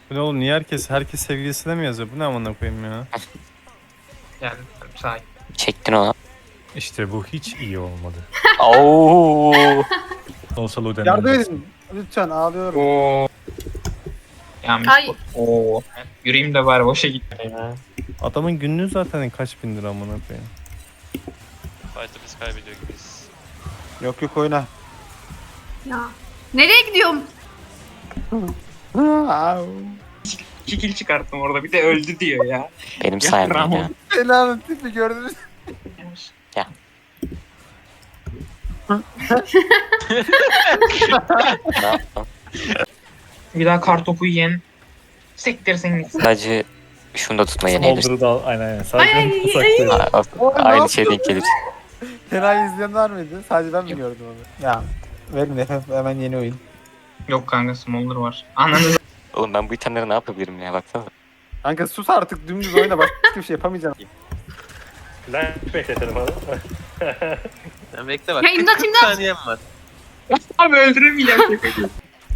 Bu ne oğlum, niye herkes sevgilisine mi yazıyor? Bu ne amına koyayım ya? Geldim sakin. Çektin onu. İşte bu hiç iyi olmadı. Oo. Olsa Luden Yardım öldürsün. edin. Lütfen ağlıyorum. Oo. Yanlış Ay. bu. Oo. Yürüyeyim de bari boşa gitti ya. Adamın günlüğü zaten kaç bin lira amına koyayım. Fight'ı biz kaybediyor gibiyiz. Yok yok oyna. Ya. Nereye gidiyorum? İki kill çıkarttım orada bir de öldü diyor ya. Benim sayemde Ramon. ya. Belanın tipi gördünüz. Ya. Ne yaptın? Bir daha kartopu yiyen sektirsin gitsin. Sadece şunu da tutmaya yenilirsin. Smolder'ı da aynen. Ay, ay, ay, ay. Aynı şey denk gelir. Fena izleyen var mıydı? Sadece ben mi gördüm onu? Ya verin hemen yeni oyun. Yok kanka Smolder var. Ananı Oğlum ben bu itemleri ne yapabilirim ya baksana. Kanka sus artık dümdüz oyna başka hiçbir şey yapamayacağım. Lan bekletelim abi. Sen bekle bak. Ya imdat, 40 imdat. saniyem var. abi öldüremeyeceğim şakayı.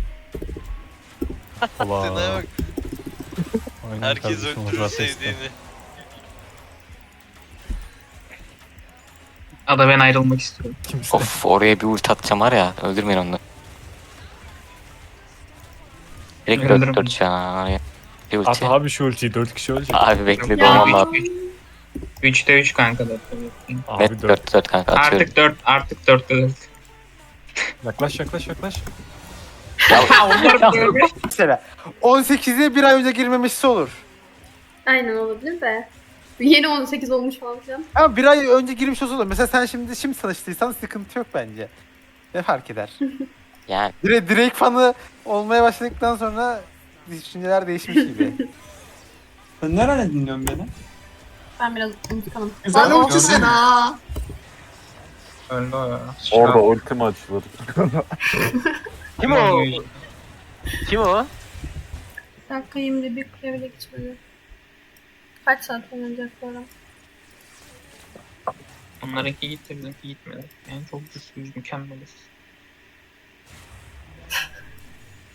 Allah. Sana bak. Aynen Herkes kardeşim, öldürür Murat Esna. sevdiğini. Ada ben ayrılmak istiyorum. Kimse. Of oraya bir ulti atacağım var ya öldürmeyin onu. Direkt Öldürürüm. 4 şu an oraya. Bir At ulti. abi şu ultiyi 4 kişi ölecek. Abi bekle Ya. doğmam lazım. 3'te 3 kanka da. Abi Net 4 kanka atıyorum. Artık 4'te 4. Yaklaş. Ha onlar böyle. Mesela 18'e bir ay önce girmemişse olur. Aynen olabilir de. Yeni 18 olmuş falan filan. Ama bir ay önce girmiş olsa olur. Mesela sen şimdi tanıştıysan sıkıntı yok bence. Ne fark eder? Yani Drake fanı olmaya başladıktan sonra düşünceler değişmiş gibi. Sen nereden dinliyorsun beni? Ben biraz unutkanım. Güzel Lan ulti olsun sen ha. Öldü o ya. Orada ultim açılır. Kim o? Kim o? Bir dakika 21 kule bile geçmedi. Kaç saat oynanacak bu ara? Onlarınki gitti bizimki gitmedi. Yani çok güçlüyüz mükemmeliz.